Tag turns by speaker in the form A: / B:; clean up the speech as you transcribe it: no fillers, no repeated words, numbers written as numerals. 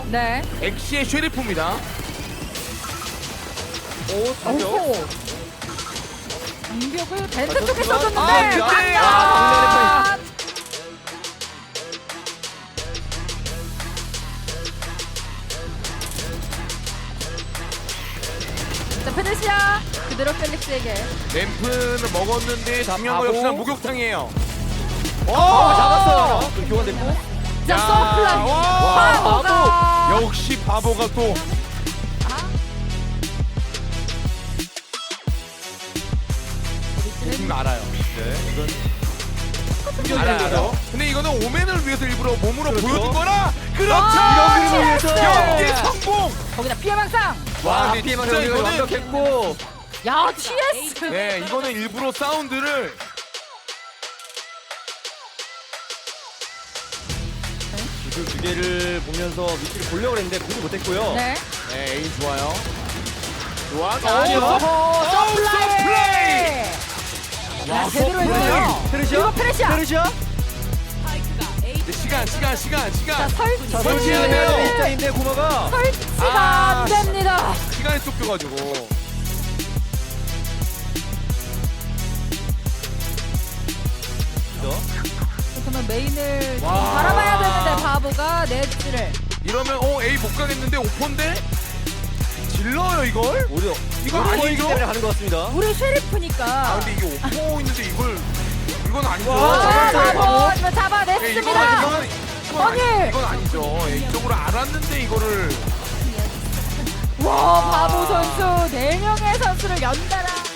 A: 네.
B: 엑시의 쉐리프입니다.
C: 오, 장벽.
A: 오호. 공격을 벤트 쪽에
C: 좋지만-
A: 써줬는데
B: 아, 근데-
A: 강력. 자, 페르시아 그대로 펠릭스에게.
B: 램프는 먹었는데 중요한 거
C: 바보.
B: 역시나 목욕탕이에요.
C: 잡았어요. 그 교환됐고.
A: 자,
B: 야,
A: 서플라이.
B: 와,
A: 바보가.
B: 역시 바보가 또 알아요.
C: 네, 이건
B: 알아요. 근데 이거는 오맨을 위해서 일부러 몸으로
C: 그렇죠.
B: 보여준 거라. 그렇죠.
A: 아,
C: 이런 그림을 위해서.
B: 경기 성공.
A: 거기다 피해망상.
C: 와,
B: 근데
C: 피해만
B: 진짜
C: 경기가
B: 이거는
C: 완벽했고.
A: 야, TS.
B: 네, 이거는 일부러 사운드를
C: 기술 두 개를 보면서 위치를 보려고 했는데 보지 못했고요.
A: 네.
B: 네, 에임 좋아요. 좋아.
C: 아니요.
A: 서플라이. 야, 제대로 했어요.
C: 페르시아?
A: 이거 페르시아.
C: 페르시아?
B: 시간.
A: 자, 설치.
C: 자,
B: 설치해야
C: 설치해야
B: 돼요.
C: 되는 입장인데 고마가.
A: 설치가
B: 아,
A: 안 됩니다.
B: 시간이 쫓겨가지고.
A: 그러면 메인을 좀
B: 와.
A: 바라봐야 되는데 바보가 네츠를.
B: 이러면 A 못 가겠는데 오퍼인데 질러요 이걸?
C: 오히려
B: 이거
C: 오히려
B: 아니죠?
C: 때문에 가는 것 같습니다.
A: 우리 쉐리프니까.
B: 아 근데 이게 오퍼 있는데 이건 아니죠.
C: 와,
A: 자,
C: 잡았어요.
A: 바보
B: 네,
A: 잡아냈습니다.
B: 이건 아니죠. 예, 이쪽으로 알았는데 이거를
A: 와, 바보 선수 4명의 선수를 연달아.